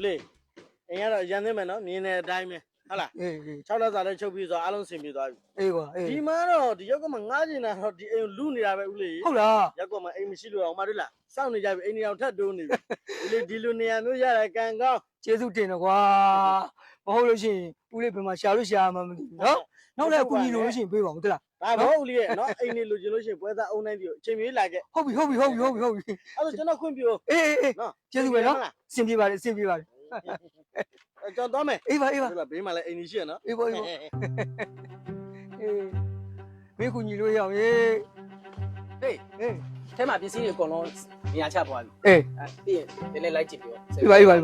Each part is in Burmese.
လေအင်းကတော့ရန်သိမယ်နော်မြင်းတဲ့အတိုင်းပဲဟုတ်လား6လစာလည်းချုပ်ပြီးဆိုအားလုံးဆင်ပြေသွားပြီအေးကွာဒီမှာတော့ဒီရောက်ကမှငားကျင်တာတော့ဒီအိမ်လူနေတာပဲဦးလေးဟုတ်လားရောက်ကမှအိမ်မရှိလို့အောင်မတွေ့လားစောင့်နေကြပြီအိမ်နေအောင်ထပ်တိုးနေပြီဦးလေးဒီလူနေရာမျိုးရတာကံကောင်းကျေးဇူးတင်တော့ကွာမဟုတ်လို့ရှိရင်ဦးလေးဘယ်မှာရှာလို့ရှာမှမသိဘူးနော်နောက်လည်းအကူကြီးလို့ရှိရင်ပေးပါဦးတလားဒါမဟုတ်ဦးလေးရဲ့နော်အိမ်နေလူကျင်လို့ရှိရင်ပွဲသားအုံနိုင်ပြီးအချိန်ပြေးလာခဲ့ဟုတ်ပြီအဲ့ဒါကျွန်တော်ခွင့်ပြုအေးနော်ကျေးဇူးပဲနော်စင်ပြေပါလေကျွန်တော်သွားမယ်အေးပါဘေးမှာလည်းအိမ်ကြီးရှိရနော်အေးပါဘေးကူညီလို့ရအောင်ဟေးထဲမှာပစ္စည်းတွေအကုန်လုံးနေရာချသွားပြီပြီးရင်နည်းနည်းလိုက်ကြည့်ပြောအေးပါဟေး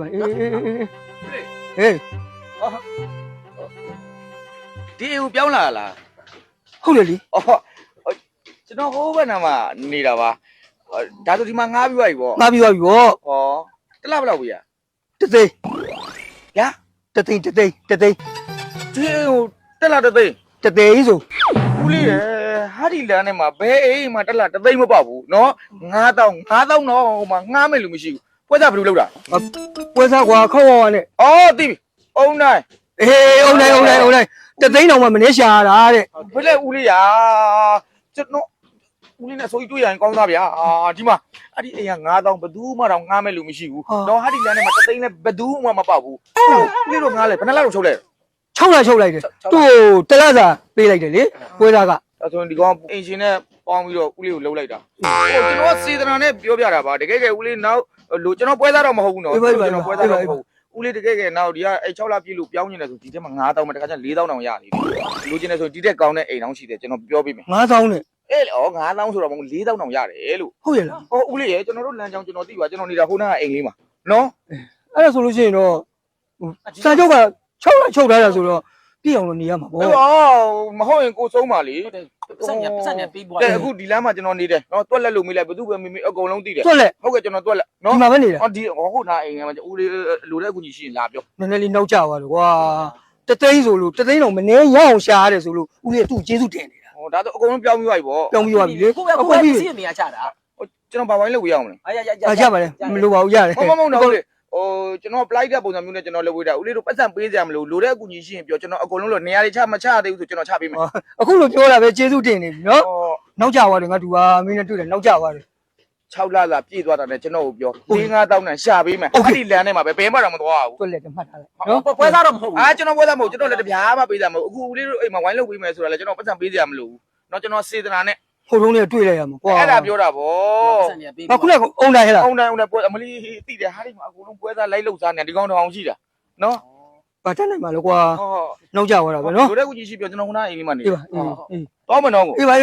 ဒီအိမ်ကိုပြောင်းလာလားဟုတ်တယ်လी ကျွန်တော်ဟိုးဘက်နာမှာနေတာပါဒါဆိုဒီမှာငားပြီးသွားပြီပေါ့ငားပြီးသွားပြီပေါ့တလားဘယ်လောက်ပြီတသိန်းညာတသိန်းဒီအိမ်ကိုတက်လာတသိန်းဆိုဦးလေးရဟာဒီလမ်းထဲမှာဘယ်အိမ်မှာတက်လာတသိန်းမပေါ့ဘူးနော်9000တော့ဟိုမှာငားမယ်လို့မရှိဘူးပွဲစားဘယ်လိုလုပ်တာပွဲစားကွာခေါက်ဝါနဲ့သိပြီအုံနိုင်အုံနိုင်တသိန်းတော့မှမနေရှာတာတဲ့ဘယ်လဲဦးလေးရကျွန်တော်ဦးလေးနဲ့ဆိုကြီးတွေ့ရရင်ကောင်းသားဗျာဒီမှာအဲ့ဒီအိမ်က9000ဘယ်သူမှတော့ငားမယ်လို့မရှိဘူးတော့ဟာဒီလမ်းထဲမှာတသိန်းနဲ့ဘယ်သူမှမပေါ့ဘူးဦးလေးတို့ငားလဲဘယ်နှလောက်ချုပ်လဲ 6လချုပ်လိုက်တယ်သူ့တလက်စာပေးလိုက်တယ်လေပွဲစားကအဲ့ဆိုဒီကောင်အင်ရှင်နဲ့ပေါင်းပြီးတော့ဦးလေးကိုလှုပ်လိုက်တာကျွန်တော်စေတနာနဲ့ပြောပြတာပါတကယ်ဦးလေးနောက်လို့ကျွန်တော်ပွဲစားတော့မဟုတ်ဘူးနော်ကျွန်တော်ပွဲစားတော့မဟုတ်ဦးလေးတကယ်နောက်ဒီကအဲ့6လပြည့်လို့ပြောင်းနေတယ်ဆိုဒီထဲမှာ9000မှာတခါကျ4000တောင်ရနေတယ်လူချင်းနေဆိုဒီတက်ကောင်းတဲ့အိမ်တောင်ရှိတယ်ကျွန်တော်ပြောပြမယ် 9000နဲ့ 9000ဆိုတော့မဟုတ်4000တောင်ရတယ်လို့ဟုတ်ရလားဦးလေးရကျွန်တော်တို့လမ်းကြောင်းကျွန်တော်သိပါကျွန်တော်နေတာဟိုနားအိမ်လေးမှာနော်အဲ့ဒါဆိုလို့ရှိရင်တော့စာချုပ်က6လချုပ်ထားတာဆိုတော့ပြည့်အောင်လို့နေရမှာပေါ့မဟုတ်ရင်ကိုဆုံးပါလေပတ်စံနဲ့ပေးပွားအခုဒီလမ်းမှာကျွန်တော်နေတယ်နော်တွက်လက်လို့မေးလိုက်ဘယ်သူပဲမေးအကုန်လုံးသိတယ်တွက်လက်ဟုတ်ကဲ့ကျွန်တော်တွက်လက်နော်ဒီမှာပဲနေတယ်ဒီဟုတ်နာအိမ်မှာဦးလေးလိုတဲ့အကူကြီးရှိရင်လာပြောနည်းနည်းလေးနောက်ကျသွားလို့ကွာတသိန်းဆိုလို့တသိန်းတော့မနေရအောင်ရှာရတယ်ဆိုလို့ဦးလေးသူ့ကျေးဇူးတင်နေတာဒါဆိုအကုန်လုံးပြောင်းပြီးသွားပြီပေါ့ပြောင်းပြီးသွားပြီလေကိုပဲစီးနေရချတာကျွန်တော်ဘာဝိုင်းလို့ဝေးအောင်မလဲရပါလေမလိုပါဘူးရတယ်မဟုတ်တော့လေကျွန်တော် apply တဲ့ပုံစံမျိုးနဲ့ကျွန်တော်လုပ်ဝေးတာဦးလေးတို့ပတ်စံပေးစရာမလိုလိုတဲ့အကူကြီးရှိရင်ပြောကျွန်တော်အကုန်လုံးလို့နေရာတွေချမချသေးဘူးဆိုကျွန်တော်ချပေးမယ်အခုလိုပြောတာပဲကျေးဇူးတင်နေပြီနော်နောက်ကျသွားတယ်ငါတူပါမင်းနဲ့တွေ့တယ်နောက်ကျသွားတယ် 6လပြည့်သွားတာနဲ့ကျွန်တော်ကိုပြော5000နဲ့ရှာပေးမယ်အဲ့ဒီလမ်းထဲမှာပဲဘယ်မှတော့မသွားဘူးတွက်လက်တမှတ်ထားလိုက်နော်ပွဲစားတော့မဟုတ်ဘူးကျွန်တော်ပွဲစားမဟုတ်ကျွန်တော်လည်းတပြားမှပေးစရာမဟုတ်အခုဦးလေးတို့အိမ်မှာဝိုင်းလုပ်ပေးမယ်ဆိုတာလည်းကျွန်တော်ပတ်စံပေးစရာမလိုဘူးနော်ကျွန်တော်စေတနာနဲ့ဟိုတုန်းကတွေ့လိုက်ရမှာကွာအဲ့ဒါပြောတာဗောအခုလည်းအုံတိုင်းဟဲ့လားအုံတိုင်းပွဲအမလီတိတယ်ဟာဒီမှာအကုန်လုံးပွဲစားလိုက်လုပ်စားနေဒီကောင်တောင်ရှိတာနော်ဘာတတ်နိုင်မှာလဲကွာနောက်ကျသွားတာပဲနော်တို့တဲ့ကူကြီးရှိပြောကျွန်တော်ခုနအိမ်လေးမှာနေတော့မနော်ကိုအေးပါ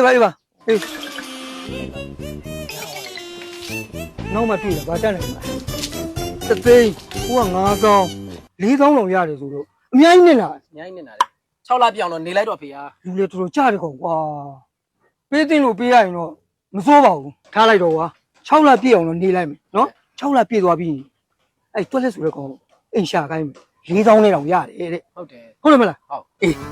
နောက်မှတွေ့တာဘာတတ်နိုင်မှာတသိန်းဟိုက9000 4000လောက်ရတယ်ဆိုတော့အများကြီးနေတာလေ6လပြောင်းတော့နေလိုက်တော့ဖေဟာလူလေတော်တော်ကြားတယ်ကောင်ကွာပေးသိလို့ပေးရရင်တော့မစိုးပါဘူးထားလိုက်တော့ကွာ6လပြည့်အောင်တော့နေလိုက်မယ်နော်6လပြည့်သွားပြီအဲ့တွက်လက်ဆိုတဲ့ကောင်အိမ်ရှာခိုင်းမယ်4000နဲ့တောင်ရတယ်တဲ့ဟုတ်တယ်ဟုတ်တယ်မလားဟုတ်အေး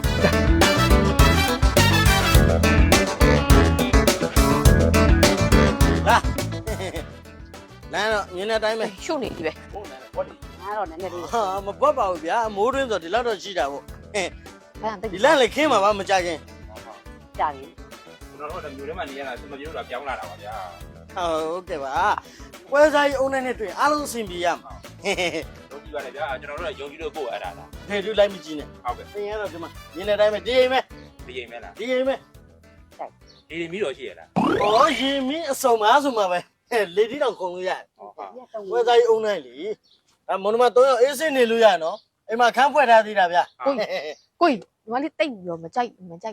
လာတော့မြင်းတဲ့အတိုင်းပဲရှုပ်နေပြီပဲဟုတ်တယ်ဘောဒီငါတော့နည်းနည်းလေးဟာမပွက်ပါဘူးဗျာမိုးတွင်းဆိုဒီလောက်တော့ရှိတာပေါ့ဒီလန့်လေခင်းမှာပါမကြခင်ကြာပြီကျွန်တော်တို့ကမျိုးထဲမှာနေရတာစမပြေလို့ပြောင်းလာတာပါဗျာဟုတ်ကဲ့ပါပွဲစားကြီးအုံးနဲ့တွေ့အားလုံးအဆင်ပြေရမှာယုံကြည်ပါလေဗျာကျွန်တော်တို့ကယုံကြည်လို့ပို့အဲ့ဒါလားဖေတူလိုက်မကြည့်နဲ့ဟုတ်ကဲ့သင်ရတော့ဒီမှာမြင်းတဲ့အတိုင်းပဲဒီအိမ်ပဲဒီအိမ်ပဲလားဒီအိမ်ပဲဒီမီးတော်ရှိရလားရင်မင်းအစုံပါဆိုမှာပဲလေတီတောင်ခုံလို့ရတယ်ပွဲစားကြီးအုံးနဲ့လीမွန်မ3ယောက်အေးစင်းနေလို့ရနော်အိမ်မှာခန်းဖွဲ့ထားသေးတာဗျာကိုကြီးညီမလေးတိတ်ပြီးတော့မကြိုက်ဘူးမီး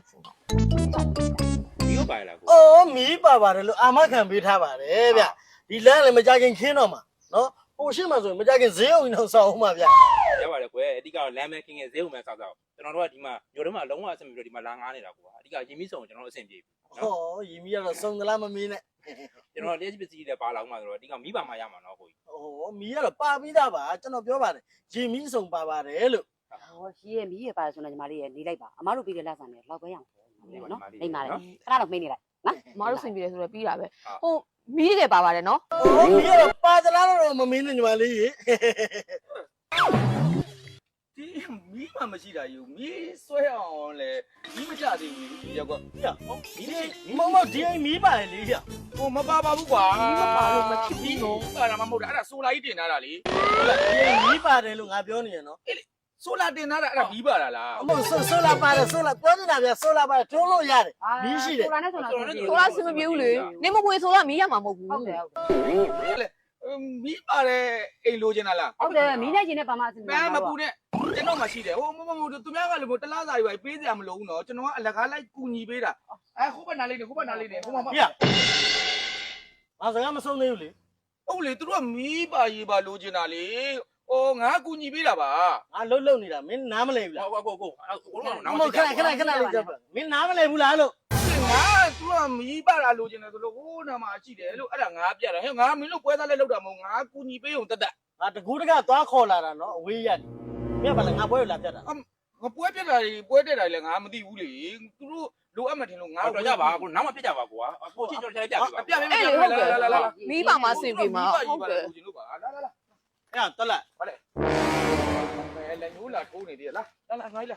ပါလားကိုမီးပါပါတယ်လို့အာမခံပေးထားပါတယ်ဗျဒီလမ်းလည်းမကြခင်ခင်းတော့မှာနော်ဟိုရှင်းမှာဆိုရင်မကြခင်ဈေးအောင်တော့စောင်းအောင်ပါဗျရပါတယ်ကွယ်အဓိကတော့လမ်းမဲခင်းဈေးအောင်မဲစောက်ကျွန်တော်တို့ကဒီမှာမြို့ထဲမှာလုံးဝအဆင်ပြေပြီးတော့ဒီမှာလာငားနေတာကွာအဓိကရင်မီးစုံကျွန်တော်တို့အဆင်ပြေပြီရင်မီးကတော့စုံသလားမမင်းနဲ့ကျွန်တော်လက်ရှိပစ္စည်းတွေပါလာအောင်မှာဆိုတော့အဓိကမီးပါမှရမှာနော်ကိုကြီးမီးကတော့ပါပြီးသားပါကျွန်တော်ပြောပါတယ်ရင်မီးစုံပါပါတယ်လို့ရှိရမီးရပါတယ်ဆိုတော့ညီမလေးရနေလိုက်ပါအမတို့ပြီးတဲ့လက်ဆန်နဲ့လောက်ပဲရအောင်နော်နေပါလေခဏတော့မိနေလိုက်နော်အမတို့ဆင်ပြေတယ်ဆိုတော့ပြီးတာပဲဟိုမီးတွေပါပါတယ်နော်မီးကတော့ပါသလားတော့မမင်းနဲ့ညီမလေးရေဒီမီးမှမရှိတာယူမီးဆွဲအောင်လေမီးမကြသေးဘူးရောက်ကွာမဒီအိမ်မီးပါလေရဟိုမပါပါဘူးကွာမပါလို့မဖြစ်ဘူးနော်အဲ့ဒါမှမဟုတ်တာအဲ့ဒါဆိုလာကြီးတင်ထားတာလေဒီအိမ်မီးပါတယ်လို့ငါပြောနေရနော်ဆိုလာတင်ထားတာအဲ့ဒါမီးပါတာလားအမဆိုလာပါတယ်ဆိုလာပြောနေတာဗျဆိုလာပါတယ်တွန်းလို့ရတယ်မီးရှိတယ်ဆိုလာနဲ့ဆိုလာဆိုလားစမပြေဘူးလေနေမပွေဆိုလားမီးရမှာမဟုတ်ဘူးဟုတ်တယ်မီးပါတယ်အိမ်လိုချင်တာလားဟုတ်တယ်မီးနဲ့ချင်းနဲ့ပါမအစင်မမပူနဲ့ကျွန်တော်မှရှိတယ်ဟိုမသူများကလည်းတလားစာရွာပေးစရာမလိုဘူးနော်ကျွန်တော်ကအလကားလိုက်ကူညီပေးတာခုဘက်နားလေးနေဟိုဘက်နားလေးနေဟိုမှာပြငါစကားမဆုံးသေးဘူးလေဟုတ်လေသူတို့ကမီးပါရေးပါလိုချင်တာလေငါကူညီပေးတာပါငါလှုပ်နေတာမင်းနားမလဲဘူးလားကိုကိုမဟုတ်ခဏလေးကြပါမင်းနားမလဲဘူးလားလို့ငါသူကမီးပါတာလိုချင်တယ်ဆိုလို့ဟိုနာမှာရှိတယ်လို့အဲ့ဒါငါပြတာဟဲ့ငါမင်းတို့ပွဲသားလဲလောက်တာမဟုတ်ငါကူညီပေးုံတက်တက်ငါတကူးတကသွားခေါ်လာတာနော်အဝေးရတယ်မင်းကဘာလဲငါပွဲလာပြတ်တာငါပွဲပြတ်တာတွေပွဲတက်တာတွေလည်းငါမသိဘူးလေသူတို့လိုအပ်မှထင်လို့ငါတော့ကြပါကိုနောက်မှပြကြပါကွာကိုချင်းကျွန်တော်ပြပြပါပြပေးလာမီးပါမှာစင်ပြေမှာဟုတ်တယ်ကူညီလို့ပါလာလာလာအဲ့တော့လက်ဟုတ်လေဘယ်လဲညိုးလာထိုးနေသေးလားလာလာငါလာ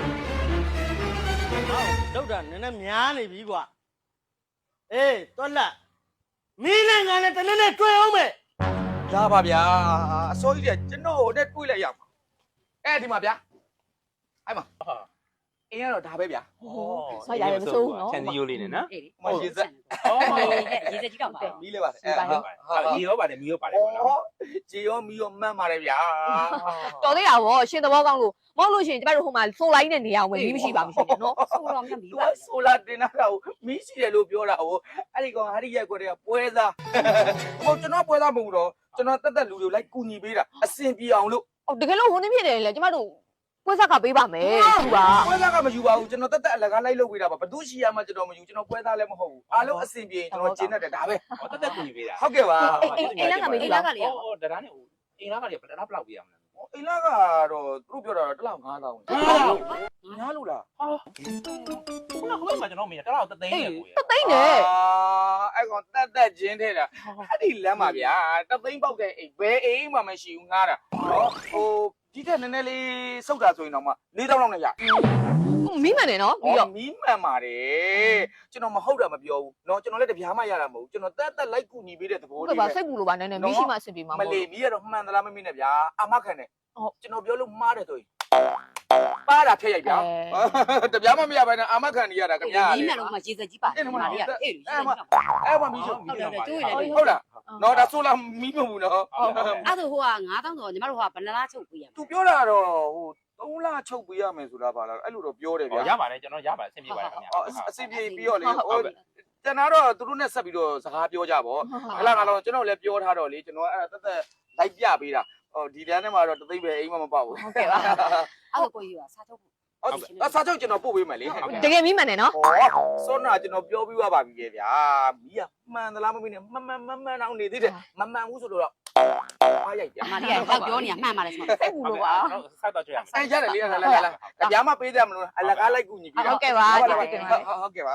ဟောလောက်တာနည်းနည်းများနေပြီကွာအေးတော့လက်မင်းနဲ့ငါနဲ့တနေ့နဲ့တွေ့အောင်မယ်ရပါဗျာအစိုးရကျွန်တော်နဲ့တွေးလိုက်ရမှာဒီမှာဗျာအဲ့မှာအင်းကတော့ဒါပဲဗျာဆောက်ရတယ်မဆိုးဘူးနော်ချန်စီယိုလေးနဲ့နော်မရေစက်ရေစက်ကြီးတော့ပါမီးလေးပါလေမီရောပါတယ်မီရောပါတယ်ကွာနော်ဂျေရောမီရောမှန်ပါတယ်ဗျာတော်သေးတာဗောရှင်သဘောကောင်းလို့မဟုတ်လို့ရှင်ကျမတို့ဟိုမှာဆိုလိုက်နဲ့နေအောင်ပဲမီးမရှိပါဘူးရှင်နော်ဆိုတော့မြတ်မီးသူပါကဆိုလာတင်တာကိုမီးရှိတယ်လို့ပြောတာဟိုအဲ့ဒီကောင်ဟာဒီရက်ကွက်တွေကပွဲသားဟိုကျွန်တော်ပွဲသားမဟုတ်တော့ကျွန်တော်တက်တက်လူတွေလိုက်ကူညီပေးတာအစင်ပြေအောင်လို့အော်တကယ်လို့ဟိုနေဖြစ်တယ်လေကျမတို့ပွဲဆက်ကပေးပါမယ်သူကပွဲသားကမယူပါဘူးကျွန်တော်တက်တက်အလကားလိုက်လုပ်ပေးတာပါဘသူရှိရမှကျွန်တော်မယူကျွန်တော်ပွဲသားလည်းမဟုတ်ဘူးအားလုံးအစင်ပြေကျွန်တော်ကျင်းတတ်တယ်ဒါပဲတက်တက်ကူညီပေးတာဟုတ်ကဲ့ပါအိမ်လက်ကမေးကြည့်လားဟောဒါနဲ့အင်းလားကလည်းဘယ်တော့ဘလောက်ပြရမလဲအိမ်လာကတော့သူတို့ပြောတာတော့တစ်လောက်9000ညားလို့လားခုနကမှကျွန်တော်မေးတာတော့တသိန်းနဲ့ကိုရသိမ့်တယ်အဲ့ကောင်တက်တက်ချင်းထဲတာအဲ့ဒီလမ်းမှာဗျာတသိန်းပေါက်တဲ့အိမ်ဘယ်အိမ်မှမရှိဘူးငားတာနော်ဟိုဒီထက်နည်းနည်းလေးစုတ်တာဆိုရင်တော့မှ4000လောက်နဲ့ရမီးမှန်တယ်နော်ပြီးတော့မီးမှန်ပါတယ်ကျွန်တော်မဟုတ်တာမပြောဘူးเนาะကျွန်တော်လည်းတပြားမှရတာမဟုတ်ဘူးကျွန်တော်တက်တက်လိုက်ကူညီပေးတဲ့သဘောဟုတ်လေးကဲ့ပါစိတ်ပူလို့ပါနည်းနည်းမီးရှိမှအဆင်ပြေမှာမမဟုတ်လေးမီးကတော့မှန်သလားမမင်းနဲ့ဗျာအမခံတယ်ဟုတ်ကျွန်တော်ပြောလို့မှားတယ်ဆိုရင်ပါတာဖျက်ရိုက်ဗျာတပြားမှမရပါနဲ့အမခံနေရတာခင်ဗျာမီးမှန်တော့မှရေစက်ကြီးပါတယ်မာရီကအေးရေစက်ကြီးတော့အဲ့မှာမီးရှို့ဟုတ်တယ်ကျိုးရတယ်ဟုတ်လားနော်ဒါဆိုလားမီးမဟုတ်ဘူးနော်အဲ့ဒါဟိုက9000တော့ညီမတို့ကဘယ်နှလားချုပ်ပေးရမလဲသူပြောတာတော့ဟို3လချုပ်ပေးရမယ်ဆိုတာပါလားအဲ့လိုတော့ပြောတယ်ဗျာရပါတယ်ကျွန်တော်ရပါတယ်ဆင်ပြေပါတယ်ခင်ဗျာအစီပြေပြီးတော့လေဟိုတန်တော့သူတို့နဲ့ဆက်ပြီးတော့စကားပြောကြပါအဲ့လားကတော့ကျွန်တော်လည်းပြောထားတော့လေကျွန်တော်အဲ့ဒါတက်လိုက်ပြပေးတာဟိုဒီတန်းထဲမှာတော့တသိပဲအိမ်မမပေါ့ဘူးဟုတ်ကဲ့ပါအဲ့ဒါကိုကြီးကစားချုပ်ဖို့စာချုပ်ကျွန်တော်ပို့ပေးမယ်လေတကယ်မီးမှန်တယ်နော်ဟောစောနာကျွန်တော်ပြောပြီးပါပြီလေဗျာမီးကမှန်သလားမမင်းနဲ့မှန်အောင်နေသေးတယ်မမှန်ဘူးဆိုတော့အားရိုက်ဗျာမာရီကတော့ပြောနေတာမှန်ပါတယ်ဆိုတော့စိတ်ပူလို့ပါဆက်တော့ကြရမယ်အဲ့ရတယ်လေလာဗျာမပေးတယ်မလို့အလကားလိုက်ကူညီပြီးဟုတ်ကဲ့ပါဟုတ်ကဲ့ပါ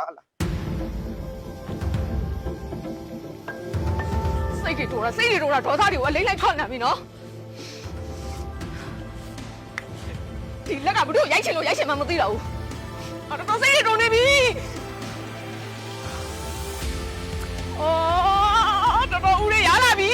စိတ်တွေတိုးတာဒေါသတွေကိုအလိမ့်လိုက်ထွက်နေပြီနော်ဒီလက်ကဘလို့ရိုက်ချင်လို့ရိုက်ချင်မှမသိတော့ဘူးအဲ့တော့စိတ်တွေတိုးနေပြီအော်တော်ဦးလေးရလာပြီ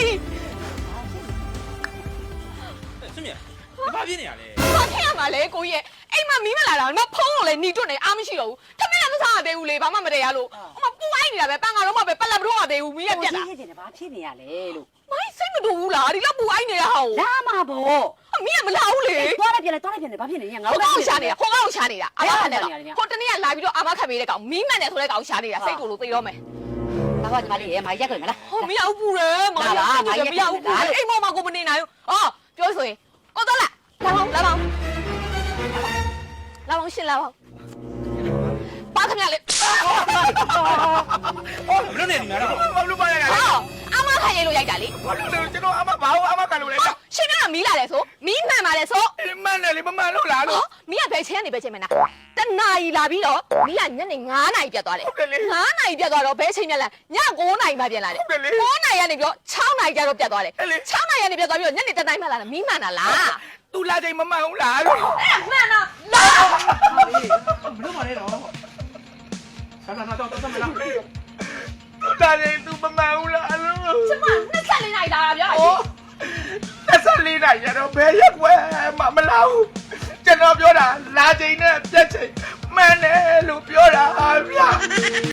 စမြဘာပြင်းနေရလဲဘာဖြစ်ရမှာလဲကိုကြီးရဲ့အိမ်မှာမီးမလာတာမဖုံးလို့လေหนีတွတ်နေအားမရှိတော့ဘူးထမင်းလည်းမစားရသေးဘူးလေဘာမှမတည့်ရလို့အမပူအိုင်းနေတာပဲပန်းကတော့မှပဲပက်လက်မတော့ရသေးဘူးမီးရပြက်တာဖြစ်နေတယ်ဘာဖြစ်နေရလဲလို့မိုင်းစိတ်မတူဘူးလားဒီလောက်ပူအိုင်းနေတာဟောလာမှာပေါ့အမီးကမလာဘူးလေသွားလိုက်ပြန်ဘာဖြစ်နေညငါဟိုကောင်ရှာနေတာအာမခံနေတာဟိုတနေ့ကလာပြီးတော့အာမခံပေးတဲ့ကောင်မီးမှန်တယ်ဆိုတဲ့ကောင်ရှာနေတာစိတ်တူလို့သိတော့မယ်ဘာကညီမလေးရေမာရီရက်ကြမလားဟောမရဘူးပူတယ်မရဘူးမရဘူးပူတယ်အိမ်မောင်မကိုမနေနိုင်ဘူးအော်ပြောဆိုရင်ကိုတော့လာရှင်လာပါပါခင်ဗျလေဘယ်လိုနေနေလဲဘာလို့ပါရလဲအာမခခံရလို့ရိုက်တာလေဘာလို့လဲကျွန်တော်အမဘာလို့အမကလို့လဲရှင်ကမီးလာတယ်ဆိုမီးမှန်ပါလေဆိုမှန်တယ်လေမမှန်လို့လားလို့မီးကဘယ်ချင်းကနေပဲချင်းမနာတနာရီလာပြီးတော့မီးကညနေ9နာရီပြတ်သွားတယ်9နာရီပြတ်သွားတော့ဘယ်ချိန်ပြတ်လဲည9နာရီမှပြန်လာတယ်9နာရီကနေပြီးတော့6နာရီကျတော့ပြတ်သွားတယ်6နာရီကနေပြတ်သွားပြီးတော့ညနေ7နာရီမှလာတယ်မီးမှန်တာလားသူလာချိန်မမှန်ဘူးလားလို့အဲ့မှန်တော့လာမလို့မလဲတော့ဆန်းဆန်းတော့တော့မလားဒါလည်းသူမမှန်ဘူးလားလို့ကျမ24နာရီလာတာပြော 24နိုင်ရတော့ဘယ်ရက်ွယ်မလာဘူးကျွန်တော်ပြောတာလာချိန်နဲ့ပြက်ချိန်မှန်တယ်လို့ပြောတာဗျာ